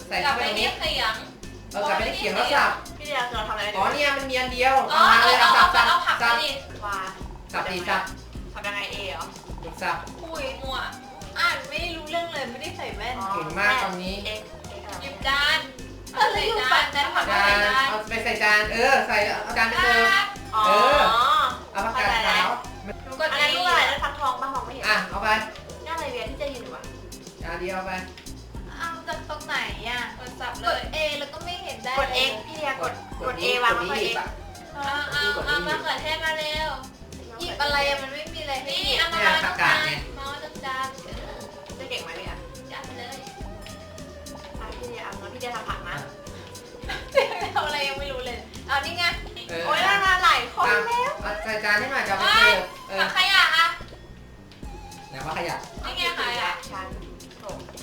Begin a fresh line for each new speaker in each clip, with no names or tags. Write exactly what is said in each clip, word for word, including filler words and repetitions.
ใส่
กลั
เข้า
บ
ไป
ไป
ตรง
ที่
นี้
เขียง
เออกลับไปที่เขียงแล้วสับ
พี่เดียจะทำอะไร
อ๋อเนี่ยมันมีอันเดียว
อ๋อ
เอามา
เอ
เลย
อ
เอา
เอา
สับ
เอา
สับ
เอาผัก
สั
มา
บ
ดิ
ว่า
สับดีสับ
ทำยังไงเอเหรอ
สับ
คุยมั่ว
อ่านไม่รู้เรื่องเลยไม่ได้ใส่แว่น
เก่งมากตอนนี้
เอ็กเอ็ก
หยิบจาน
เออแล้วอยู่ฝั่งนั้น
ผัก
จา
ใส่
น
จาน
เอาไปใส่จานเออใส่เอาจานไปเสิร์ฟ
อ๋อ
เอาผักกาดขาว
หนูกด
อัน
ไอ้
นี้ลูกอะไรนั่นฟักทองบ้างมองไม่เห็น
อ่ะเอาไป
น่าอะไรเวียนที่จะยืนอยู่วะ
จานเดียวเอาไป
เอาจากตรงไหนอ่ะ
กดสับ
ก
เล
ด
ย
A แล้วก็ไม่เห็นได้
กดเอ็กพี่เดียกดกดเอวางไว้เอ็ก
เอาเอาเอามะเขือเทศมาเร็ว
หยิบอะไรอะมันไม่มีอะไรให้
นี่
หยิบ
เอามาวางตรงจานมาวางตรงจานเออ
จะเก่งไหมเนี่ย
จัดเลย
พี่เดียเอางั้นพี่เดียทำผักนะ
เอาอะไรยังไม่รู้เลยเอานี่ไง
เออ
โอ้ยน่ามาหลายคนแล้ว
เอาใส่จานให้หน่อยจะเอาไปเสิร์ฟเออ
ผักขยะอ่ะ
แล้วก็ขยับ
นี่ไงขยะ
ชันโถ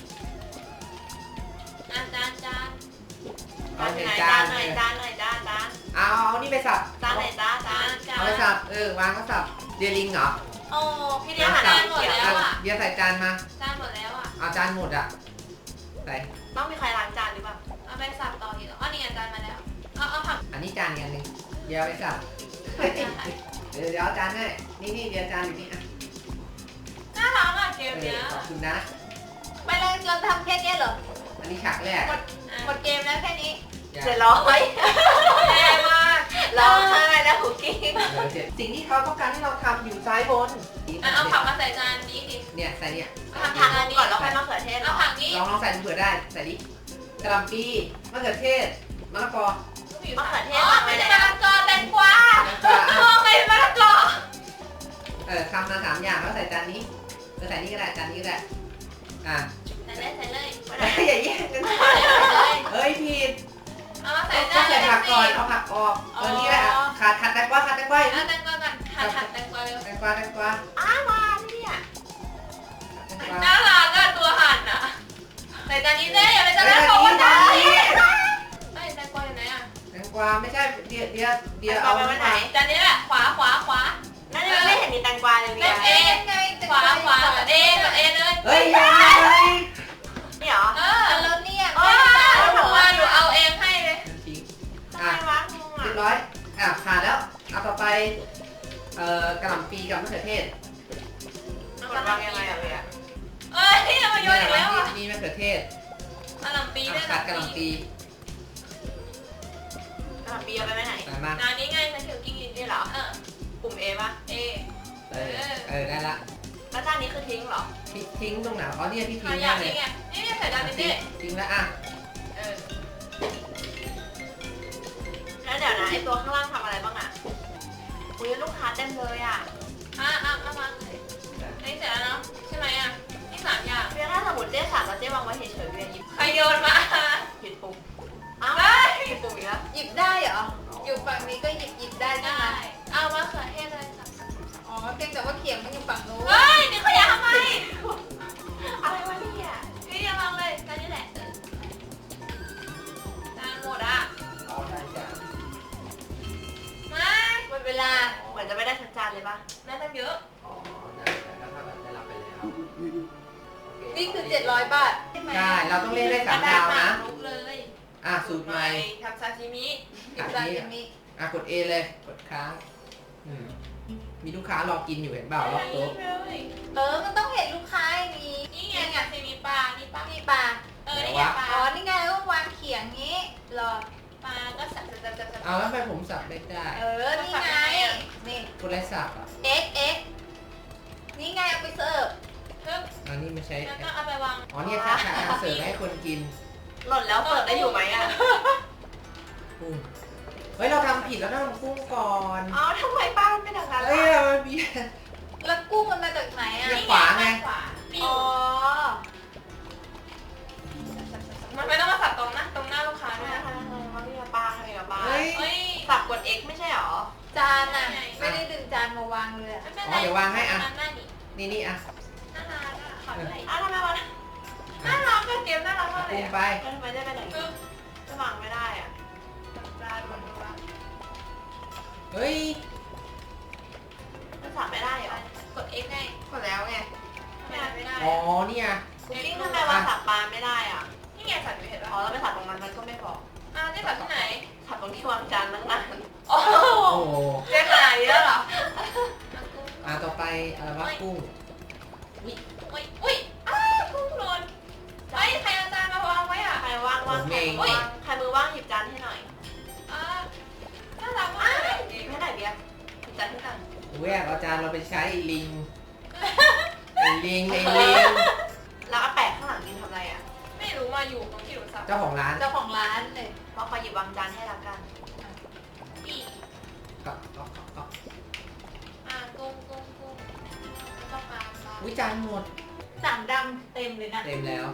อ่ะจานจาน
เอา
จาน
ใส่
ไหน
จา
จาน
น
หน่อยจานหน่อยจานจาน
เอาเอานี่ไปสับ
จานไหนจ้าจา
จาน นจาน
เอาไปสับเออวางก็สับเดียลิงเหรอ
โอ้
พี่เดียหันหน้าหมดแล้ว
เดียใส่จานมา
จานหมดแล้วอ่ะ
เอาจานหมดอ่ะใส่
ต้องมีใครล้างจานหรือเปล่า
เอาไปสับต่ออีกเหรออ๋อนี่ไงจานมาแล้วเอาเอาผัก
อันนี้จานอีกอันหนึงเดียวไปสับเดี๋ยวเดี๋ยวเอาจานให้นี่นี่เดียวจานอยู่นี่อ่ะ
น่ารักอ่ะเก
เอ
มเนี้ย
อขอบคุณนะ
ไม่แล้วเราทำแค่เนี้ยเหรอ
อันนี้ฉากแรก
หมดเกมแล้วแค่นี้
เสร็จร้อย
แย่มาก
ร้องไห้แล้วคุกกิ้ง
เออเสร็จสิ่งที่เขาต้องการให้เราทำอยู่ซ้ายบน
อ่ะเอาผักมาใส่จานนี้ดิ
เนี่ยใส่เนี่ย
เอาผัก
ผัก
จานนี้
ก่อนแล้วค่อยมะเขือเทศเหร
เอา
อ
ผักนี้
ลองลองใส่ดูเผื่อได้ใส่ดิกระหล่ำปีมะเขือเทศมะละกอ
มะเขือเทศ
อ๋อ
วาง
ไม่
ไว้
ใช่
แล้
มะ
ว
ละกอแตงกวา
แล้วก็
โอ้ไม่มะละกอ
เออทำมาสามอย่างแล้วใส่จานนี้เออใส่นี่ก็ได้จานนี้ก็ได้อ่ะ
ใส่เลยใส่เลย
อย่าแย่งกัน
ใส่เลย
เฮ้ยผิด
เอามาใส่
ก็
จานเล
ใส่
ย
ผักก่อน
สิ
เอาผักออกเออนี่แหละขาดขาดแตงกวาขาดแตงกวา
เอาแตงกวาก่อนหั่นหั่นแตงกวาเร็ว
แตงกวาแตงกวา
อ้าวมาพี่เนี่ย
แตงกวา
น่ารักอ่ะตัวหั่นอ่ะใส่จานนี้ได้อย่าไปจานนั้นบอกว่าจานนี้เฮ้ยแตงกวาอยู่ไหนอ่ะ
แตงกวาไม่ใช่เดียวเดียวเดียว
เอา
เอา
ไปไว้ไหน
จานนี้แหละขวาขวาขวา
นั่นยังไม่เห็นมีแตงกวาเลย
เล่
เนี่ย
มเอ
ไง
ขวาขวากดเอกดเอเลย
เฮ้ยยังไง
นี่เหรอ
เออ
แล้วเนี่ย
เออหนูว่าหนูเอาเองให้เลย
ทิ้ง
ทำ
อ่ะ
ไมวะงง
เรียบ
อ่ะ
ร้อยอ่ะผ่านแล้วเอาต่อไปเอ่อกระหล่ำปีกับมะเขือเทศ
กดวางยังไงอ่ะพี่อ่ะ
เอ้ยเอามาโยนอีกแล้วอ่ะ
นี่มะเขือเทศ
กะหล่ำปี
เอา
ด้วย
ขาดกระหล่ำปี
กระหล่ำปีเอาไปไว้ไหน
ใส่มา
นานี้ไงฉันถือกิ้งอิน
นี่เหรอ
เออ
ปุ่มเอป่ะ
เอ
เออเออได้ละ
แล้วจานนี้คือทิ้งเหรอ
ทิ้งทิ้งตรงไหนอ๋อเนี่ยที่
ข
ทิ้ง
ยะ
เล
นี่
ย
ไงนี่ใส่จานนี้ดิ
ทิ้งแล้วอ่ะ
เออ
แล้วเดี๋ยวนะไอตัวข้างล่างทำอะไรบ้างอ่ะอุ้ยลูกค้าเต็มเลยอ่ะ
อ่ะอ่ะเอามาเลยนี่เสร็จแล้วเนาะใช่ไหมอ่ะนี่สามอย่าง
เพียงถ้าสมมติเจ๊สั่งแล้วเจ๊วางไว้เฉยๆเวียนหยิบ
ใครโยนมา
ผิดปุ่มอ้าวผิดปุ่มอีกแล้ว
หยิบได้เหรอ อยู่ฝั่งนี้ก็หยิบหยิบได้ใช่
ได้
ไหม
เอามาเขือเทศเลยค่ะ
อ๋อเพียงแต่ว่าเขียงมันอยู่ฝั่งนู้น
เฮ้ยนี่ขยะทำไม
อะไรวะเนี่ย
นี่ยังลองเลยจานนี้แหละเออจานหมดอ่ะ
อ๋อได้จ้ะ
มา
หมดเวลา
เหมือนจะไม่ได้สักจานเลยป่ะ
น่าจะเยอะ
อ๋อได้แต่ถ้าทำแบบจะรับไปแล้วโอเค
นี่คือเจ็ดร้อยบาทใช่ไหม
ใช่เราต้องเล่นได้สามดาวนะ
ลุกเลย
อ่ะสูตรใหม่
ทำซาชิมิ
หยิบซาซิมิ
อ่ะกด A เลยกดค้างอืมมีลูกค้ารอกินอยู่เห็นเปล่ารอบโต๊ะ
เลย
เออ มันต้องเห็นลูกค้าอย่างนี้
นี่ไงซาชิมิปลา นี่ปลา
นี่ปลา
เออ นี่ไงปลา
อ๋อ นี่ไงต้องวางเขียงงี้รอ
ปลาก็สับสับสับสับสับ
เอาแล้วทำไมผมสับไม่ได้
เออ นี่ไง นี่
กดอะไรสับอ่ะ
X X นี่ไงเอาไปเสิร์ฟ
เพิ่ม
อันนี้ไม่ใช่
แล้วก็เอาไปวาง
อ๋อเนี่ยค่ะค่ะเสิร์ฟให้คนกิน
หล่นแล้วเปิดได้อยู่ไหมอ่ะ
กุ้งเฮ้ยเราทำผิดแล้วต้องทำกุ้งก่อน
อ๋อทำไมป้ามันเป็นอย่างนั้น
เฮ้ย
ล่ะ
มันมี
แล้วกุ้งมันมาจากไหนอ่ะ
เนี่ย ขวาไง
ขวานี่
อ๋อ
มันไม่ต้องมาสับตรงนะ ตรงหน้าลูกค้า
ทำ
ด้
ไม
วย
ทำไมทำไมวะเนี่ยป้าทำไมกับป้า
เฮ้ย
เฮ้ย
สับกด X ไม่ใช่หรอ
จานอ่ะ ไม่ได้ดึงจานมาวางเลยอะ
ไม่เป็น
อ๋
ไร
อเดี๋ยววางให้อ่ะ
หน้านี่
นี่นี่อ่ะ
น่ารักอ่ะขอด้วย
อ้าวทำไมวะ
น่ารักอะเกมน่ารักมากเล
กุ้
ย
ง
อะ
ไป
แล้วทำไมได้ไปไหน
คือ
จะวางไม่ได้อ่ะ
จานหมดเลยว่ะ
เฮ้ย
มันสับไม่ได้เหรอก
ด X ไง
กดแล้วไง
ทำไมทำไม่ได้
อ๋อ
อะ
เนี่ย
คุกกิ้งทำไมวางสับปลาไม่ได้อ่ะ
นี่ไงสัตว์ไม่เห็น
อ๋อ
ป่ะ
แล้วไปสับตรงนั้นมันก็ไม่บอก
อ้าวนี่สัตว์ที่ไหน
สับตรงที่วางจานนั่งนาน
โอ้โห
โอ้โห
เจ๊ขนาดนี้แล้วเหรอ
อ่ะต่อไปอะไรวะกุ้ง
อุ้ยอุ้ยอ้าวกุ้งหล่นเฮ้ยใครเอาจานมาวางไว้อ่ะ
ใครว่างว่างใครมือว่างใครมือว่างหยิบจานให้หน่อย
อ่าน่ารักมาก
หยิบให้หน่อยเบียร์หยิบจานให้กัน
แวกเอาจานเราไปใช้ไอ้ลิงไอ้ลิงไอ้ลิง
แล้วอาแปะข้างหลังยืนทำอะไรอ่ะ
ไม่รู้มาอยู่ตรงที่หนูสับ
เจ้าของร้าน
เจ้าของร้านเลย
เพราะเขาหยิบวางจานให้ละกัน
อี
ก็ก็ก็ก็
อ่ากุ้งกุ้งกุ้งแล้วก็ปลาปลา
อุ้ยจานหมด
สามดำเต็มเลยนะ
เต็มแล้ว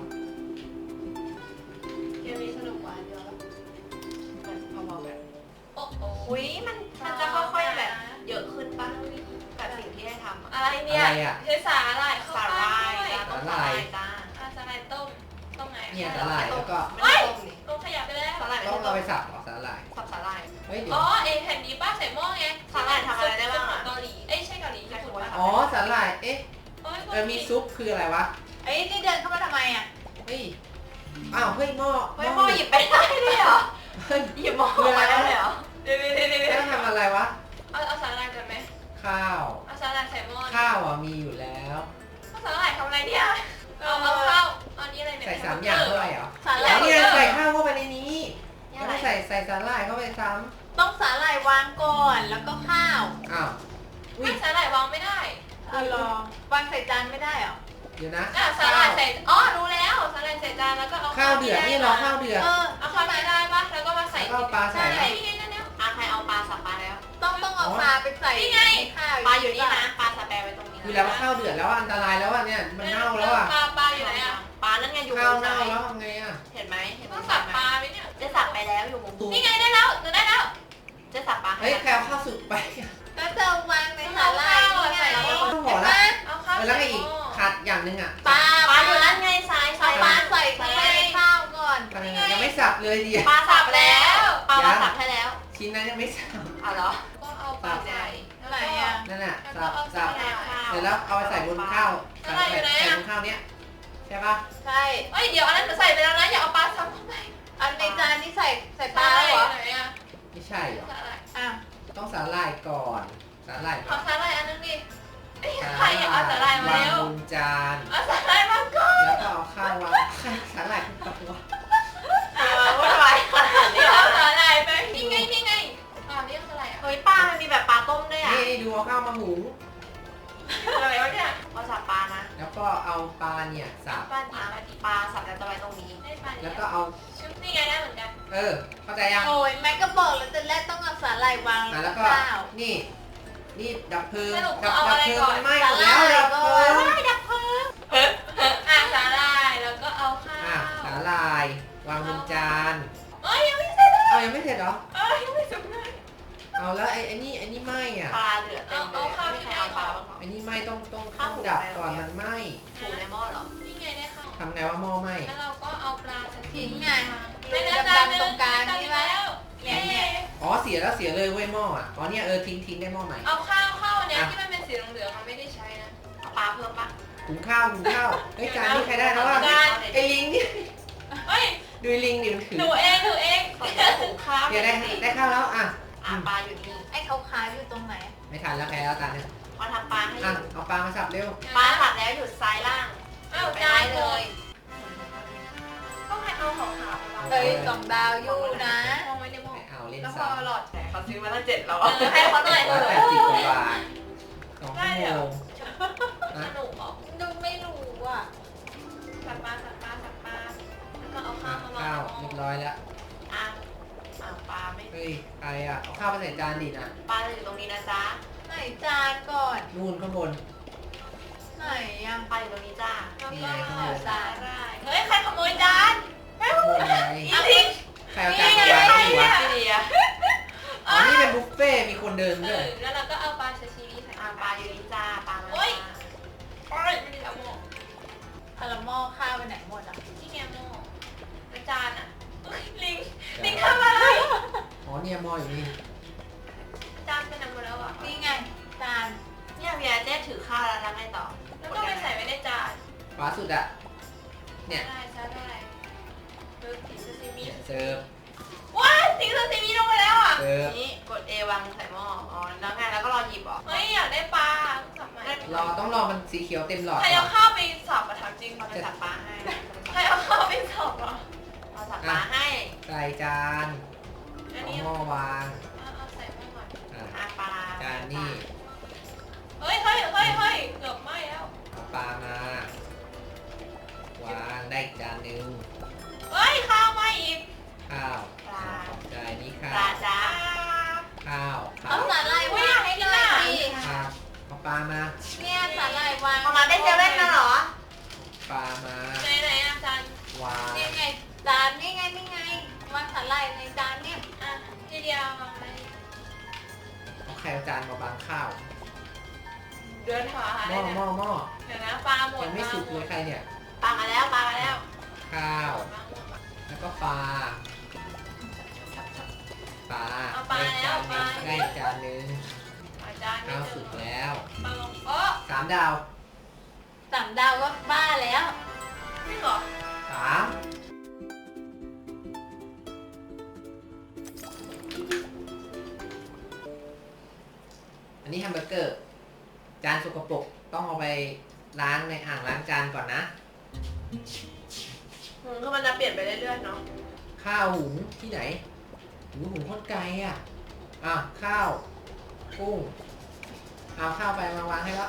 เกมนี้สนุกกว่าเดียวแล้ว
มันเบาๆแบบ
โอ้โห
อุ้ยมันมันจะค่อยๆแบบเยอะขึ้นป่ะกับสิ่งที่ได้ทำอ่ะ
อะไรเนี่ย
อะไรอ่ะ
ใช้สาหร่ายเข้า
สา
ไป
หร่าย
ด้วย
จ้าต้องสาหร่ายจ้า
อ่าสาหร่ายต้มต้มไหน
เนี่ยสาหร่ายแล้วก็
ไม่ได้ต้มนี่
ต้มขยับไปแล้ว
สาหร่ายไม่
ต้อง
ได้ต้
เอา
ม
ไปสับเหรอสาหร่าย
สับสาหร่าย
เฮ้ยเดี๋ยว
อ๋อเอ็นแผ่นนี้ป้าใส่หม้อไง
สาหร่ายทำอะไรได้บ้างอะ
เกาหลีเอ้ยใช่เกาหลีญี่ปุ่นป่ะ
อ๋อสาหร่ายเอ๊ะ
โอ้ย
เออมีซุปคืออะไรวะ
เอ้ยนี่เดินเข้ามาทำไมอ่ะ
เฮ้ยอ้าวเฮ้ยหม้อ
เฮ้ยพ่อหยิบไปได้เลยเหรอ
เฮ้ย
หยิบหม้อมาได้เลยเหรอ
เดี๋ยวเดี๋ยวเดี๋ยวเดี๋ยว
แล้วทำอะไรวะ
เอาเอาสาหร่ายกันไหม
ข้าว
เอาสาหร่ายใส่หม้อ
ข้าวอ่ะมีอยู่แล้ว
เอาสาหร่ายทำอะไรเนี่ยเอาเอาข้าวเอานี่อะไรเนี่ย
ใส่สามอย่างด้วยเหรอ
สาห
แล้
ร่า
วย เนี่ยใส่ข้าวเข้าไปในนี้
เนี่
แล้
ยว อะไร
ก็ใส่ใส่สาหร่ายเข้าไปซ้
ต้องสาหร่ายวางก่อนแล้วก็ข้าว
ำอ้าวอุ้ย
ไม่สาหร่ายวางไม่ได้
เอาลองวางใส่จานไม่ได้เหรอ
เดี๋ยวนะ
อ่ะสาหร่ายใส่อ๋อรู้แล้วสาหร่ายใส่จานแล้วก็เอา
ข้าวเดือดนี่รอข้าวเดือด
เออ
เอาข้าวไม่ได้ปะแล้วก็มาใส่
แล้วก็เอาปลาใส่
ใช่นี่ไงนั่นเนี่ย
อ่ะใครเอาปลาสับปลาแล้ว
ต้องต้องเอาปลาไปใส่
นี่ไง
ในข้าว
ปลาอยู่นี่นะ ปลาสแปรไว้ตรงนี้
คือแล้วว่าข้าวเดือดแล้วอันตรายแล้วอ่ะเนี่ยมันเน่าแล้วอ่ะ
ปลาปลาอยู่ไหนอ่ะ
ปลานั่นไงอยู่
ข้าว
มุม
เน่า
ซ้าย
แล้วทำไงอ่ะ
เห็นไหมเห็นไหม
ต้องสับปลาไหมเนี่ย
เจ๊สับไปแล้วอยู่มุม
นี่ไงได้แล้วหนูได้แล้ว
เจ๊สับปลาให้
เฮ้ยแคลข้าวสุกไป
ก็จะวางในสาหร่ายนี่ไง
เอาข้าว
เห็
ห่อน
ไหม
ละ
เอาข้าว
เออแล้วก็อีกขาดอย่างหนึ่งอ่ะ
ปลา
ปลาอยู่นั่นไงซ้าย
เอา
ซ้าย
ปลาใส่เข้าไปในข้าวก่อน
ปลายังไม่สับเลยดิ
ปลาสับแล้วปลามาสับให้แล้ว
ชิ้นนั้นยังไม่สับ
อ๋อเหรอ
ก็เอาปลาใส่
ไหนอ่ะ
นั่นน่ะ
แล้ว
สั
ก็
บ
เอา
สั
ใส่
บเสร็จแล้วเอาไปใส่บนข้าวใส่ใส่บนข้าวเนี้ยใช่ปะ
ใช่
เอ้ยเดี๋ยวอันนั้นหนูใส่ไปแล้วนะอย่าเอาปลาซ้ำเข้าไป
อันในจานนี่ใส่ใส่ป
ป
ลา
ลา
แล้วเหรอ
ไหนอ่ะ
ไม่ใช่เหรอ
สาหร่าย
อ่ะ
ต้องสาหร่ายก่อนสาหร่าย
ขอสาหร่ายอันนึงดิเอ้ยใครอยากเอาสาหร่ายมาว
าง
เร็ว
บนจาน
เอาสาหร่ายมาก่อน
แล้วก็เอาข้าววางสาหร่ายขึ้นไปวะ
เออวุ่นวายขนาดนี้
เดี๋ยว
เหรอ
เอาสาหร่ายไปนี่ไงนี่ไงอ่านี่คืออะไรอ่ะ
เฮ้ยปลามันมีแบบปลาต้มด้วยอ่ะ
นี่ดูเอาข้าวมาหุง
อะไรวะเนี่ย
เอาสับปลานะ
แล้วก็เอาปลาเนี่ยสับ
ปลาดีปลาดี
ปลาสับแล้วจะไว้ตรงนี้
ได้ปลาดี
แล้วก็เอา
ชุบนี่ไงได้เหมือนกัน
เออเข้าใจยัง
โอ้ยแม่ก็บอกแล้วจะแรกต้องเอาสาหร่ายวาง
อ่ะ
แล้
แล้ว ว
ก็
ก็
ข้าว
นี่นี่ดับเพลิง
สรุป
ดับ
เอา
ดับ
อะไร
เพลิง
ก่อน
มันไหม้หมดแล้วดับเพลิง
ดับเพลิง
อ่ะสาหร่ายแล้วก็เอาข้า
อ่ะ
ว
สาหร่ายวางบนจาน
เอ้ยยังไม่เสร็จเลย
เอายังไม่เสร็จเหรอ
เอ้ยยังไม่สุกเลย
เอาแล้วไอ้ไอ้นี่ไอ้นี่ไหม้อ่ะ
ปลาเหลือเต็มเลยไม่ใครเอาปลาบ้างหรอ
ไอ้นี่ไหม้ต้องต้อง
ข้า
ต้
ว
อง
หุง
ดับ
ไป
ก่อนมันไหม้
ถูในหม้อเหรอ
นี่ไงได้ข้าว
ทำไงว่าหม้อไหม้
แล้วเราก็เอาปลาสถิ
ทิ้งไง
ไม่ได้
ดำๆตรงกลางนี่ไหม
แล้ว
เนี่ยเนี่ย
อ๋อเสียแล้วเสียเลยเว้ยหม้ออ่ะอ๋อเนี่ยเออทิ้งทิ้งได้หม้อใหม่
เอาข้าวข้าวเนี่ยที่มันเป็นสีเหลืองๆมันไม่ได้ใช้นะ
เอาปลาเพิ่มปะ
หุงข้าวหุงข้าวเฮ้ยจานนี้ใครได้แล้วอ่ะ
จาน
ไอ้ลิงเนี่ย
เฮ้ย
ดูลิงดิมันถือ
หนูเองหนูเอง
ขอจะหุงข้าว
เดี๋ยวได้ได้ข้าวแล้วอ่ะ
อ่ะปลาอยู่นี่
ไอ้ขาวๆอยู่ตรงไหน
ไม่ทันแล้วใครเอาจานเนี่ย
มาทำปลาให้อ
อ่ะ
ยู่
เอาปลามาสับเร็ว
ปลาสับแล้วอยู่ซ้ายล่าง
อ้าว
ไป
จา
ได้
น
เล
เลย ยต้องให้เอาของขาวไปวาง
เฮ้ยสองดาวอยู่นะ
วางไว้ในหม้อ
ไม่เอาเล่น
แล้วพ
สั
อบ หลอด
แต่เขาซื้อมาตั้งเจ็ดแล้ว
เออให้เขาหน่อยเถ
ร้อย
อะ
แปดสิบกว่าบาทสองชั่วโมง
สนุกเหรอ
ดูไม่รู้อ่ะ
สับปลาสับปลาสับปลาแล้วก็เอาข้า
อ่ะ
วมาวาง
ข้าว
ในหม้
เรี
อย
บร้อยแล้ว
อ่ะอ่ะปลาไม่
เฮ้ยใครอ่ะเอาข้าวไปใส่จานดินะ
ปลาจะอยู่ตรงนี้นะจ๊ะ
ไหนจานก่อน
นู่นข้างบน
ไหนอ่ะ
ปลาอยู่ตรงนี้จ้า
แล้ว
นี่
ก็
ไงข้างบน
สาหร่ายเฮ้ยใครขโมยจาน
ข้างบนไง
อีทิง
ใครเอาจานมาวางที่วะ
พี่เดีย
อ๋อนี่เป็นบุฟเฟ่ต์มีคนเดิน
เอ
ด้ว
อย แล้วเราก็เอาปลาซาชิมิใส่
อ่ะปลาอยู่นี่จ้าปลามา
โอ๊ย โอ้ยไม่ได้เอาหม้อ
เอาละหม้อข้าวไปไหนหมดอ่ะ
ที่ไงหม้อแล้วจานอ่ะเอ้ยลิงลิงทำอะไร
อ๋อเนี่ยหม้ออยู่นี่
จานไปไหนหมดแล้วอ่ะ
นี่ไงจาน
เนี่ยเบียร์เจ๊ถือข้าวแล้วทำไงต่อ
แล้วก็ไปใส่ไว้ในจาน
ขวาสุดอ่ะ เนี่ย
ได้ใช่ได้
ข
เออสีซาซิมิ
เนี่ยเสิร์ฟ
ว้ายสีซาซิมิลงไปแล้วอ่ะ
เสิร์ฟ
นี่กด A วางใส่หม้ออ๋อแล้วไงแล้วก็รอหยิบเหรอ
เฮ้ยอยากได้ปลาสับใหม่
รอต้องรอมันสีเขียวเต็มหลอด
ใคร
ก่อ
เอา
น
ข้าวไปสับอะถามจริง
เราจะสับปลาให้
ใครเอาข้าวไปสับอ่ะ
เราสับปลาให้
ใส่จาน
อัน
เอา
นี้
หม้อวาง
เอาเอาใส่ไปก่อน
อ่ะ
อาปลา
จานนี่
เฮ้ยเฮ้ยเฮ้ยเฮ้ยเกือบไหม้แล้ว
เอาปลามา วางได้อีกจานหนึ่ง
เฮ้ยข้าวไหม้อีก
ข้าว
ปลา
ขอบใจนี่ข้า
ปลาว จ้า
ข้าวข้า
เอา
ว
สาหร่ายวางให้หน่อยสิ
ครับเอาปลามา
เนี่ยสาหร่ายวาง
เอามาได้เซเว่นนะเหรอ
ปลามา
ไหนไหนอาจารย์
วาง
นี่ไงจานนี่ไงนี่ไงวางสาหร่ายในจานเนี่ย
อ่ะทีเดียวมาไหม
เอาไข่เอาจานมาบางข้าว
เดินหาหา
ห
ได้
ม้อ
เนี่ย
หม้อหม้อ
เดี๋ยวนะปลาหมด
ยังไม่สุกเลยใครเนี่ย
ปลามาแล้วปลามาแล้ว
ข้าว แล้วก็ปลา ปลา
เอาปลาแล้วปลา
ได้จานหนึ่ง
อาจารย์
ข้าวสุกแล้ว
ปลาลงเออ
สามดาว
สามดาวก็บ้าแล้ว
จริงเหรอ
สามอันนี้แฮมเบอร์เกอร์ จานสกปรกต้องเอาไปล้างในอ่างล้างจานก่อนนะ
อืมคือมันจะเปลี่ยนไปเรื่อยๆเนาะ
ข้าวหุงที่ไหนหูหุงโคตรไกลอ่ะ อ่ะข้าวกุ้ง เอาข้าวไปมาวางให้แล้ว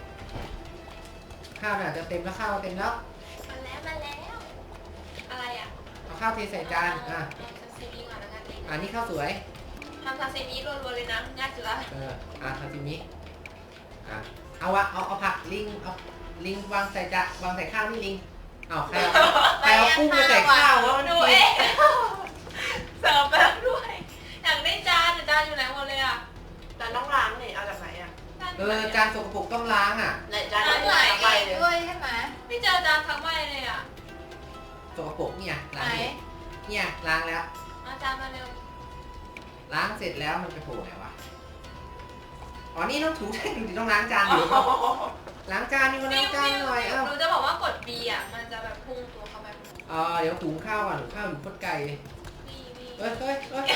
ข้าวเนี่ยจะเต็มแล้วข้าวเต็มแล้ว
มาแล้วมาแล้วอะไรอ่ะ
เอาข้าวเทใส่จาน อ่ะ
เอาซาซิมิก่อนแล้วกันเอง
อันนี้ข้าวสวย
ทำซาซิมิรัวๆเลยนะง่ายสุดละ
เออ อ่ะซาซิมิ อ่ะ เอาวะเอาเอาผักลิง เอาลิงวางใส่จานวางใส่ข้าวนี่ลิง เอาใครเอาใครเอากุ้งไปใส่ข้าววะมัน
ดู
กิ
เอน งเสิร์ฟไปแล้วด้วยอยากได้จานแต่จานอยู่ไหนหมดเลยอ่ะ
จานต้องล้างนี่เอาจากไหนอ่ะ
จาน
เออ จานสกปรกต้องล้างอ่ะ
ไหนจาน
สา
ต้อง
หร่า
ล้าย งไป
เอง
เลย
ด้วยใช่ไหม
ไม่เจอจานทั้งใบเลยอ่ะ
สกปรกเนี่ยล้าง
ไหน
เนี่ยเนี่ยล้างแล้ว
อาจารย์มาเร็ว
ล้างเสร็จแล้วมันจะโผล่ไหนวะ อ๋อ นี่ต้องถูได้ดูดิต้องล้างจานอยู่ ล้างจานนี่ก็ล้างจานหน่อยเอ้า
หนูจะบอกว่ากด B อ่ะมันจะแบบพุ่งตัวเข้าไป
เออเดี๋ยวหุงข้าวก่อนหุงข้าวอยู่โคตรไกลเลย
บีบี
เอ้ยเอ้ยเอ้ย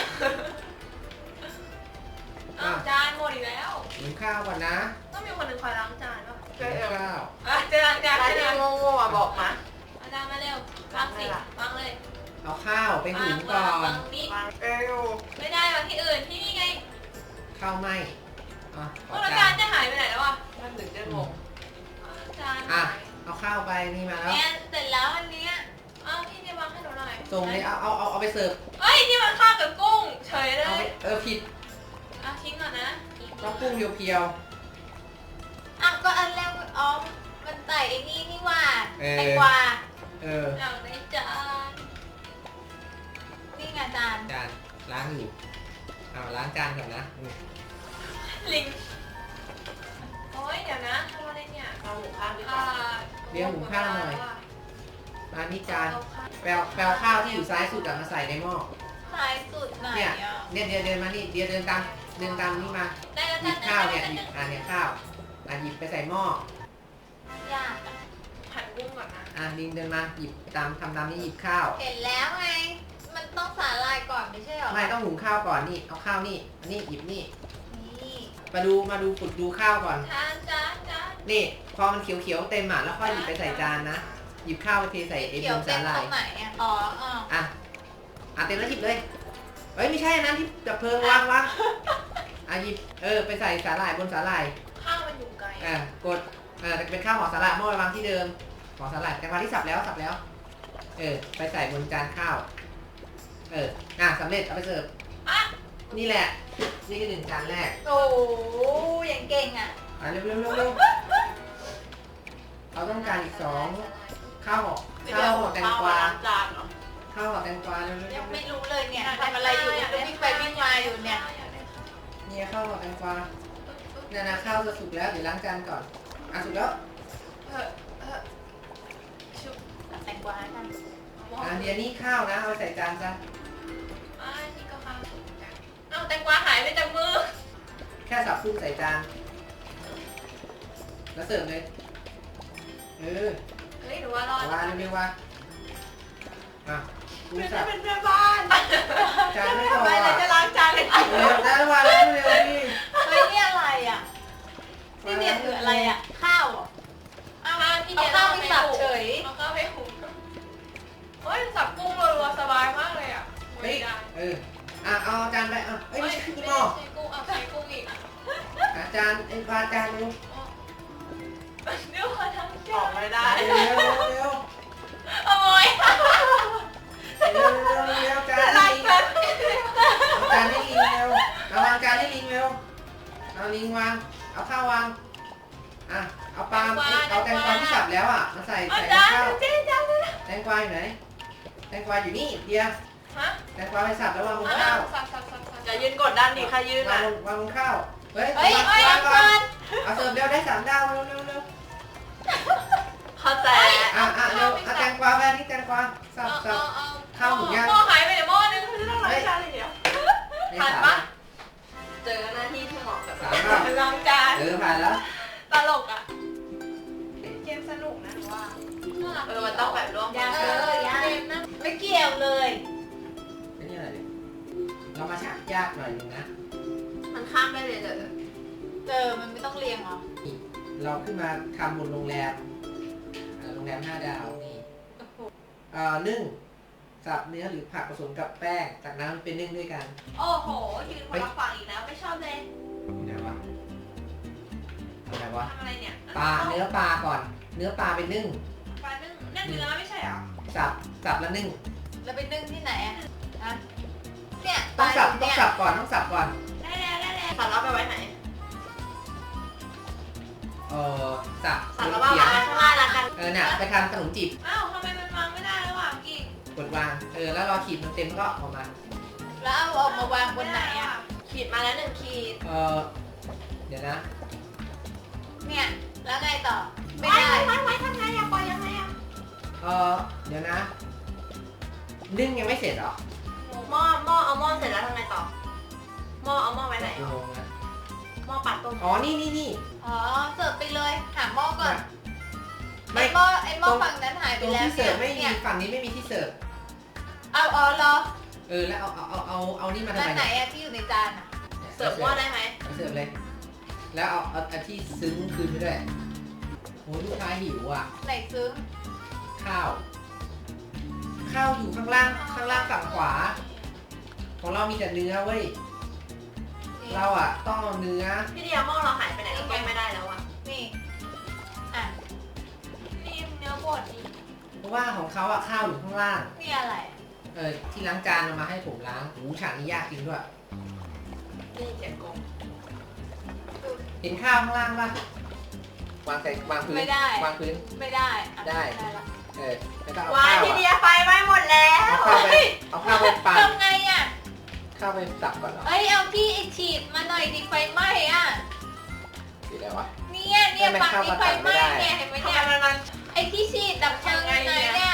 อ้าวจานหมดอีกแล้ว
หุงข้าวก่อนนะ
ต้องมีคนหนึ่งคอยล้างจานป่ะ
หุงข้าว
อ่ะเจอจานจาน
ร้าน
เจ
ที่
อจาน
โง่ๆอ่ะบอกมา
อาจารย์มาเร็ววางสิวางเลย
เอาข้าวไปหุงก่อน
วางนี้
วางเอว
ไม่ได้วางที่อื่นที่นี่ไง
ข้าวไหมอ่ะขอ
แล้ว
จา
จาน นจะหายไปไหนแล้วอ่ะ
มันถึงจะงง
จาน
อ่ะ เอาข้าวไปนี่มาแล้ว
เนี่ยเสร็จแล้วอันเนี้ย
อ้าวพี่เนี่ยวางให้หนูหน่อย
ส่งเลยเอาเอาเอาเอาไปเสิร์ฟ
เฮ้ยที่มันข้าวกับกุ้งเฉยเล
เอาไป
ย
เออผิด
อ่ะทิ้งก่อนนะ
ต้องกุ้งเพียว
อ่ะก็อันแรกอ๋อมันใส่ไอ้นี่นี่หว่า
เออ
แตงกวา
ๆเออ
อยากได้จาน
นี่ไงจาน
จานล้างอยู่เอาล้างจานก่อนนะอืม
ลิงโอ้ยเดี๋ยวนะทำอะไรเนี่ย
เอาหมูข้างดีก
อ่า
ว่า
มานี่จานแปลวแปลวข้าวที่อยู่ซ้ายสุดอะมาใส่ในหม้อ
สายสุดไหน
เนี่ย
อ่ะ
เนี่ยเดินเดินมานี่เดียวเดินตามเดินตามนี่มา
ได้แล้ว
หยิ
จ้า
บ
ได้
ข้าว
แล้ว
เนี่ยหยิบ
จ้า
อ่าเนี่ยข้าวอ่ะหยิบไปใส่หม้อย
ากอะ
หั่นกุ้งก่อนนะ
อ่ะลิงเดินมาหยิบตามทำตามนี่หยิบข้าว
เห็นแล้วไง มันต้องสาหร่ายก่อนไม่ใช่เหรอ
ไม่ต้องหุงข้าวก่อนนี่เอาข้าวนี่อันนี้หยิบนี่
นี่
มาดูมาดูฝึกดูข้าวก่อน
จานจานจาน
นี่พอมันเขียวๆเต็มอ่ะแล้วค่อยหยิบไปใส่จานนะหยิบข้าวไปเทใส่ไอ้
เกี่
บ
ยวน เต็
สาม หร่า
ตร
ย
งไหนอ่ะ อ๋ออ๋อ
อ่ะอ่ะเต็มแล้วหยิบเลยเอ้ยไม่ใช่อันนั้นที่ดับเพลิงวางวางอ่ะหยิบเออไปใส่สาหร่ายบนสาหร่าย
ข้าวมันอยู่ไกล
อ่ะกดเออเป็นข้าวห่อสาหร่ายหม้อไปวางที่เดิมห่อสาหร่ายแต่วางที่สับแล้วสับแล้วเออไปใส่บนจานข้าวเอออ่ะสำเร็จเอาไปเสิร์ฟ
อ่ะ
นี่แหละนี่คือหนึ่งจานแรก
โอ้ยยังเก่งอ่ะ
อ่ะเร็วเร็วเร็วเร็วเราต้องการอีกสองข้าวห่อข้าวห่อแตงกวา
ล้างจานเหรอ
ข้าวห่อแตงกวาเร็วเร็วเร็
ยั
ว
งไม่รู้เลยเนี่ยทำอะไรอยู่ก็วิ่งไปวิ่งมาอยู่เนี่ย
เนี่ยข้าวห่อแตงกวาเนี่ยนะข้าวจะสุกแล้วเดี๋ยวล้างจานก่อนอ่ะสุกแล้ว
เออเออชุบ
ตัดแตงกวาให้กัน
อ่ะเดี๋ยวนี้ข้าวนะเอาไปใส่จานซะ
อ่านี่ก็ข้าวเอ้าแตงกวาหายไปจากมือ
แค่สับคลุกใส่จานแล้วเสิร์ฟเลยเออ
เฮ้ยหรือว่ารอด
วางเร็วๆว่าอ่ะกู
ไม่
สั
ได้
บ
เป็นแม่บ้าน
จานไม่พอ
ไปเลย
อ่ะ
จะล้างจานเลย
เร็วจานวางแล้วเร็วดิ
เฮ้ยนี่อะไรอ่ะนี่เนี่ยคืออะไรอ่ะข้าวเหรอ
เอามาพี่เดีย
เอาข้าวไปสับเฉย
เอาข้าวไปหุงเฮ้ยสับกุ้งรัวๆสบายมากเลยอ่ะ
เฮ้
ไม่
ย
ได้
เอออ่ะเอาจานไปอ่ะเอ้ย
ไม่
นี่
ใช่
คือ
ไม่
หม้อ
ใช่กุ้งเอาใช้กุ้งอีก
อ่ะจานไอ้ปลาจานเร็ว
เดี๋ยวขอทำ
อ
จา
อก
น
ไม่ได้
เร็วเร็วเร็ว
โอ้ย
เร็วเร็วเร็วจาน
ล้า
ให้
ง
ลิง
จาน
เอาจานให้ลิงเร็วเอาวางจานให้ลิงเร็วเอาลิงวางเอาข้าววางอ่ะเอาปลาเอาแตงกวาที่สับแล้วอ่ะมาใส่
เอา
ใส่
จาน
ข้าว
เจ๊จานเลยนะ
แตงกวาอยู่ไหนแตงกวาอยู่นี่เดียว
ฮะ
แตงกวาไปสับแล้ววางบน
เอา
ข้าว
สับสับสับสับ
อย่ายืนกดดันดิใครยืน
วา
อ่ะ
งบนวางบนข้าวเฮ้ย
เฮ้ยเฮ้ย
วาง
เอา
ก่
ก่
อ
อน น
เอาเสิร์ฟเร็วได้สามดาวเร็วเร็วเร็ว
เข้าใจ
อ่ะอ่ะเร็วเอาแตงกวาไปอันนี้แตงกวาสับ
เอา
สับ
เอาเอา
ข้าวหมูย่าง
หม้อหายไปไหนหม้อนึง
ไม่ต้องล้างจานเลยเดี๋ยว
ไม่
ผ่าน
สาม
ปะ
เจอหน้าที่ที่เหมาะกับ
สามรอบ
ล้างจาน
เออผ่านแล้ว
ตลกอ่ะ
เกมสนุกนะว่า
น่ารัก
เออมันต้องแบบร่วม
ยั
กั
ง
น
เออยัง
เกมนะ
ไม่เกี่ยวเลย
ไอ้นี่อะไรเนี่ยเรามาชักยากหน่อยนึงนะ
มันข้ามได้เลยเหรอ
เจอมันไม่ต้องเรียงเหรอ
เราขึ้นมาทำบนโรงแรมเอ่อโรงแรมห้าดาวนี่เอ่อนึ่งสับเนื้อหรือผักผสมกับแป้งจากนั้นเป็นนึ่งด้วยกัน
โอ้โหยืนคนละฝั่งอีกแล้วไม่ชอบเลย
อยู่ไหนวะอะไรวะ
ทำอะไรเนี่ย
ปลาเนื้อปลาก่อน เนื้อปลาไปนึ่ง
ปลานึ่งนั่นเนื้อไม่ใช่เหรอ
สับสับแล้วนึ่ง
แล้วไปนึ่งที่ไหนอ่ะฮะเนี่ย
ต้องสับ
ตาย
ต้อง
เนี่ย
สับก่อนต้องสับก่อน
ได้แล้วได้แล้ว
สารลับไปไว้ไหน
เออสับ
สารลับ
เขีย
วาง งไว้ข้างล่างละกัน
เออน่ะไปทำขนมจีบ
อ้าวทำไมมันวางไม่ได้ระหว่างกิ่ง
กดวางเออแล้วรอขีดมันเต็มก็เออกมา
แล้วเอาออกมาวางบนไหนอ่ะ
ขีดมาแล้วหนึ่งขีด
เออเดี๋ยวนะ
เนี่ยแล้วไงต่อไม่
ไว้
ได้
ไว้ไว้ทำไงอะปล่อยยังไงอะ
เออเดี๋ยวนะ นึ่งยังไม่เสร็จเหรอ
หม้อหม้อเอาหม้อเสร็จแล้วทำไงต่อหม้อเอาหม้อไว้ไหน
กี่โมงนะ
หม้อปัดต้ม
อ๋อนี่นี่นี่
อ๋อเสิร์ฟไปเลยหาหม้อก่อน
ไม่
ไอ้หม้อไอ้หม้อฝั่งนั้นหาย
ต
ไป
รง
แล้ว
ที่เสิร์ฟไม่มี
เนี่ย
ฝั่งนี้ไม่มีที่เสิร์ฟ
เอาอ๋อเหรอ
เออแล้วเอาเอาเอาเอาเอานี่มาทำ
ด้าน
ไม
ไหน
เนี่ย
อะที่อยู่ในจานอะ
เสิร์ฟหม้อได้ไหม
เอาเสิร์ฟเลย แล้วเอาเอาเอาที่ซึ้งคืนไปด้วยโอ้ลูกค้าหิวอ่ะ
ไหนซึ้ง
ข้าว ข้าวอยู่ข้างล่างข้างล่างฝั่งขวา ของเรามีแต่เนื้อเว้ย
นี่
เราอ่ะต้องเอาเนื้อ
พี่เดียหม้อเราหายไปไหนเราต้มไม่ได้แล้วอะ
นี่อ่ะ
นี่เนื้อบดนี่
เพราะว่าของเขาอ่ะข้าวอยู่ข้างล่าง
นี่อะไร
เออที่ล้างจานเอามาให้ผมล้างหูฉากนี้ยากจริงด้วย
นี่เจ็บกง
เห็นข้าวข้างล่างป่ะวางใส่วางพื้น
ไม่ได้
วางพื้น
ไม่ได้อ่ะ
ได้
ม่ได้ละ
เออแล้วก็เอา
วาย
ข้าว
พี่
อะ
เดียไฟไหม้หมดแล้ว
เอาข้าวไปเอาข้าวไปปั่น
ทำไงอ่ะ
ข้าวไปสับก่อนเหรอ
เอ้ยเอาที่ฉีดมาหน่อยดิไฟไหม้อ่ะ
หรืออะไรวะ
เนี่ยเนี่ย
ไม่
ฝั่ง
เข้า
นี้
มา
ไฟ
ตัดไม่
ไหม้
ได้
เนี่ยเห็นไหม
ทำ
เนี่ย
ไมมันมัน
ไอ้ที่ฉีดดับเพลิงอยู่ไหนเนี่ย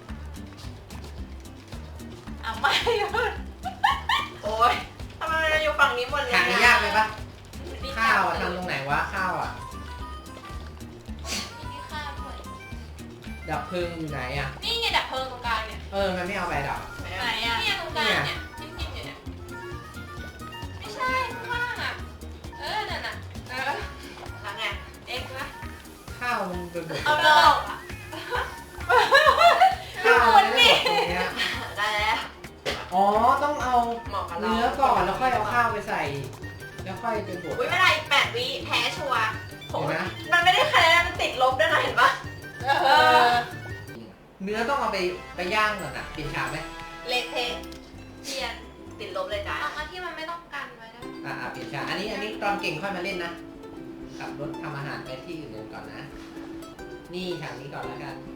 เอาไม่หยุด
โอ๊ยทำไมมันอยู่ฝั่งนี้หมดเลย
ฉากนี้ยากไหมปะ
นี่
ข้าวอะทำตรงไหนวะข้าวอ่ะ
มีข้าวด้วย
ดับเพลิงอยู่ไหนอ่ะ
นี่ไงดับเพลิงตรงกลางเนี่ย
เออมันไม่เอาไปดับ
ไหนอ่ะ
เนี่ยตรงกลางเนี่ยจิ้มจิ้มอยู่เนี่ยไม่ใช่ข้างล่างอ่ะเออนั่นน่ะเออ
ทำไง
เอ็กซ์นะ
ข้าวมันเป็นบด
เอา
ข้าว
ลอกอ่ะ
มันไม่ได้บดตรงเนี้ย
ได้แล้ว
อ๋อต้องเอา
เหมาะกับเรา
เนื้อก่อนแล้วค่อยเอาข้าวไปใส่ แล้วค่อยไปบด
อุ้ยไม่ได้อีกแปดวิแพ้ชัวร์โห
เห็นไหม
มันไม่ได้คะแนนมันติดลบด้วยนะเห็นปะ
เออ
เนื้อต้องเอาไปไปย่างก่อนนะเปลี่ยนฉากไหม
เละเทะ
เปลี่ยน
ติดลบเลยจ้า
เอามาที่มันไม่ต้องกันไว้นะ
อ่าอ่าเปลี่ยนฉากอันนี้อันนี้ตอนเก่งค่อยมาเล่นนะขับรถทำอาหารไปที่อื่นก่อนนะ นี่ฉากนี้ก่อนแล้วกัน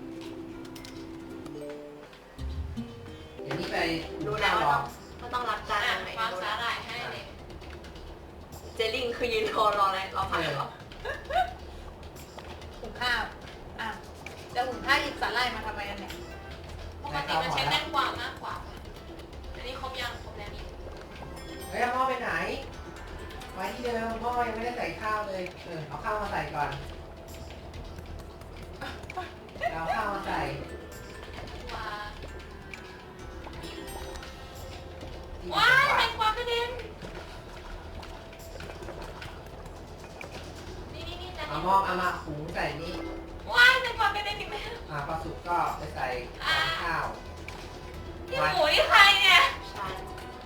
เดี๋ยวนี้ไป
ดูแล้ว
ข้าวร
ว่า
อ
ต้องว่าต้องรับจาน
อ่ะ
ไหน
วางสาหร่ายให้เลย
เจลิงคือยืนรอรออะไรรอผักเหรอ
หุงข้าวอ่ะจะหุงข้าวหยิบสาหร่ายมาทำไมกันเนี่ย
ปกติมันใช้แตงกวามากกว่าอันนี้ครบยังครบแล้วนี่
เฮ้ยเอาหม้อไปไหนไว้ที่เดิมหม้อยังไม่ได้ใส่ข้าวเลยเออเอาข้าวมาใส่ก่อนเอาข้าวมาใส่
ว่า
เอามาหุงใส่นี่
ว้ายแตงกวาไม่ได้กินไหม
อ่าพอสุกก็ไปใส่ข้าว
นี่หมูนี่ใครเนี่ย
ฉัน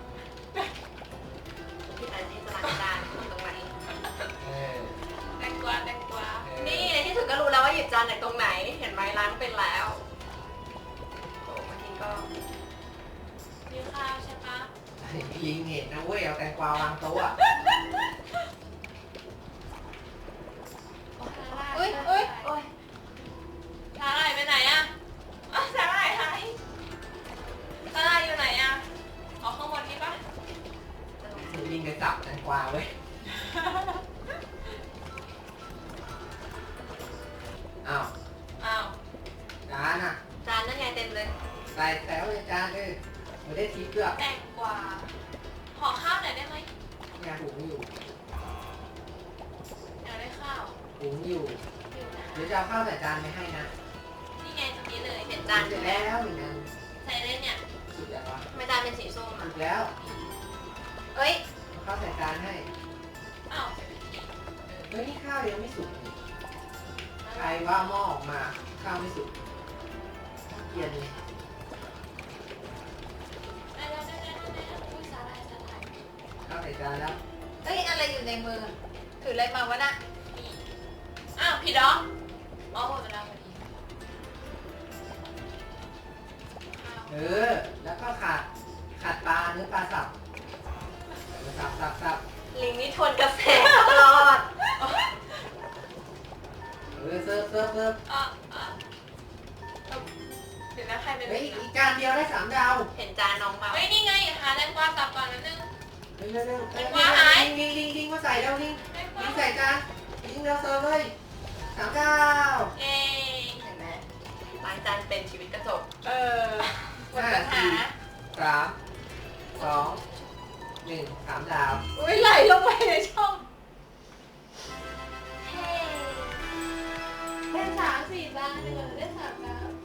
พี่แต่นี่จะล้างจานตรงไหน
เออ
แตงกวาแตงกวา
เออ
นี่ในที่สุดก็รู้แล้วว่าหยิบจานไหนตรงไหน เห็นไหมล้างเป็นแล้วโอ้บางทีก็
มีข้าวใช่ปะ
ยิงเห็นนะเว้ยเอาแตงกวาวางโต๊ะอะ
เอ้ยเอ้ย
โอ้ย
สาหร่ายไปไหนอะอ๋อสาหร่ายหายสาหร่ายอยู่ไหนอะอ๋อข้างบนนี่ปะ
ยิงไปสับแตงกวาเว้ยอ้าว
อ้าว
จานอ่ะ
จานนั่นไงเต็มเลย
ใส่แถวเลยจานเลยไม่ได้ทีเกลือ
แตงกวาห่อข้าวหน่อยได้ไหม
ยาหุงอยู่
อยากได้ข้าว
หุงอยู่
อยู่นะ
เดี๋ยวจะเอาข้าวใส่จานไปให้นะ
นี่ไงตรงนี้เลย
เห็น
จา
จาน น
เสร็
ใช่
จ
ไหม
แล้วหนึ่งอัน
ใส่เลยเนี่ย
สุดแล้ววะ
ทำไมจานเป็นสีส้ม
สุ
อ่ะ
ดแล้ว
เอ้ย
เอาข้าวใส่จานให้
อ้าวใส่ไปที
เฮ้ยนี่ข้าวยังไม่สุกนี่ใครว่าหม้อออกมาข้าวไม่สุกเกลียนเลย
ได้แล้วได้แล้วได้แล้วอุ้ยสาหร่ายสาหร่าย
ข้าวใส่จานแล้ว
เอ้ยอะไรอยู่ในมือถืออะไรมาวะน่ะ
นี่อ้าวผิดเหรออ๋อหมดเวลาพอดีข้าว
เออ แล้วก็ขาดขาดปลาเนื้อปลาสับสับสับสับ
ลิงนี่ทวนกระแสตลอด
เออเซิร์ฟเซิร์ฟเซิร์ฟ
อ่ะอ่ะเอาเดี๋ยวนะใครเป็น
เฮ้ยอีกจานเดียวได้สามดาว
เห็นจานน้องเปล่า
เฮ้ยนี่ไงหาแตงกวาสับก่อนนิดนึง
เร็วเร็วเร็ว
แตงกวาหาย
ลิงลิงลิงลิงมาใส่แล้วลิง
แตงกวา
ลิงใส่จานลิงเร็วเซิร์ฟเลยสามดาว
เย้
เห็นไหมล้างจานเป็นชีวิตกระจก
เออหมด
ห้า
ปัญหา
สี่สามสองหนึ่งสามดาว
อุ้ยไหลลงไปในช่อง
เฮ้
ได้สามสี่จานเลยได้สามดาว